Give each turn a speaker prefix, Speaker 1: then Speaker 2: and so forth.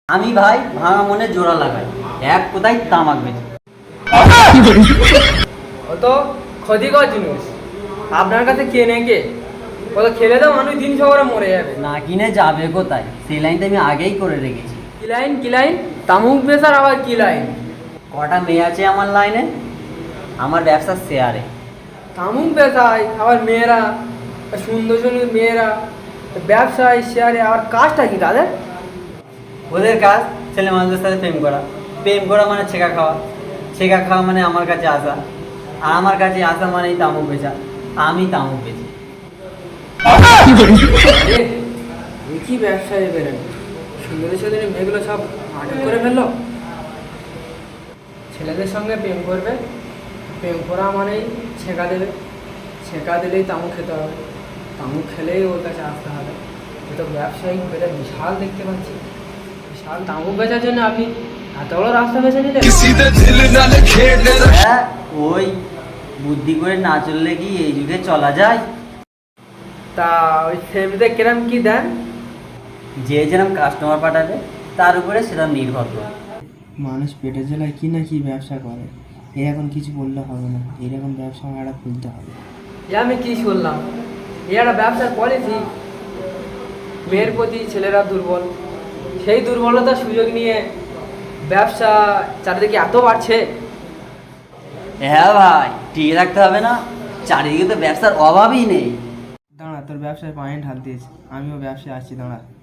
Speaker 1: আমি ভাই ভাঙা মনে জোড়া লাগাই, এক কোথায় তামাক বেচে।
Speaker 2: ও তো ক্ষতিকর জিনিস, আপনার কাছে কেনে কে? ও তো খেলে তো মানুষ 300 করে মরে যাবে।
Speaker 1: না কিনে যাবে কোথায়, সেই লাইনটা আমি আগেই করে রেখেছি।
Speaker 2: কি লাইন? তামুক বেচার আবার কি লাইন?
Speaker 1: কটা মেয়ে আছে আমার লাইনে, আমার ব্যবসার শেয়ারে।
Speaker 2: তামুক বেচায় আবার মেয়েরা, সুন্দর সুন্দর মেয়েরা ব্যবসায় শেয়ারে, আবার কাজটা কি তাদের?
Speaker 1: ওদের কাজ ছেলে মানুষদের সাথে প্রেম করা, প্রেম করা মানে ছেঁকা খাওয়া, ছেঁকা খাওয়া মানে আমার কাছে আসা, আর আমার কাছে আসা মানেই তামুক বেচা। আমি তামুক বেচি।
Speaker 2: কি ব্যবসায় বেরেন, সুন্দরের সাথে মেয়েগুলো সব আটক করে ফেললো। ছেলেদের সঙ্গে প্রেম করবে, প্রেম করা মানেই ছেঁকা দেবে, ছেঁকা দিলেই তামুক খেতে হবে, তামুক খেলেই ওর কাছে আসতে হবে। এ তো ব্যবসায়িক বেটা বিশাল দেখতে পাচ্ছি। বিশাল তামুক বেচার জন্য আপনি এত বড় রাস্তা বেছে নিলেন?
Speaker 1: হ্যাঁ, ওই বুদ্ধি করে না চললে কি এই যুগে চলা যায়?
Speaker 2: তা ওই ফেমিতে কিরম কি দেন?
Speaker 1: যে যেরকম কাস্টমার পাঠাবে তার উপরে সেটা নির্ভর করে।
Speaker 3: মানুষ পেটের জ্বালায় কি না কি ব্যবসা করে, এর এখন কিছু বললে হবে না, এরকম ব্যবসা একটা খুলতে হবে।
Speaker 2: এ আমি কি শুনলাম, এ একটা ব্যবসার পলিসি। মেয়ের প্রতি ছেলেরা দুর্বল, সেই দুর্বলতার সুযোগ নিয়ে ব্যবসা চারিদিকে এত বাড়ছে।
Speaker 1: হ্যাঁ ভাই, টিকে রাখতে হবে না, চারিদিকে তো ব্যবসার অভাবই নেই।
Speaker 3: দাঁড়া, তোর ব্যবসায় পায়ে ঢাল দিয়েছে, আমিও ব্যবসায় আসছি, দাঁড়া।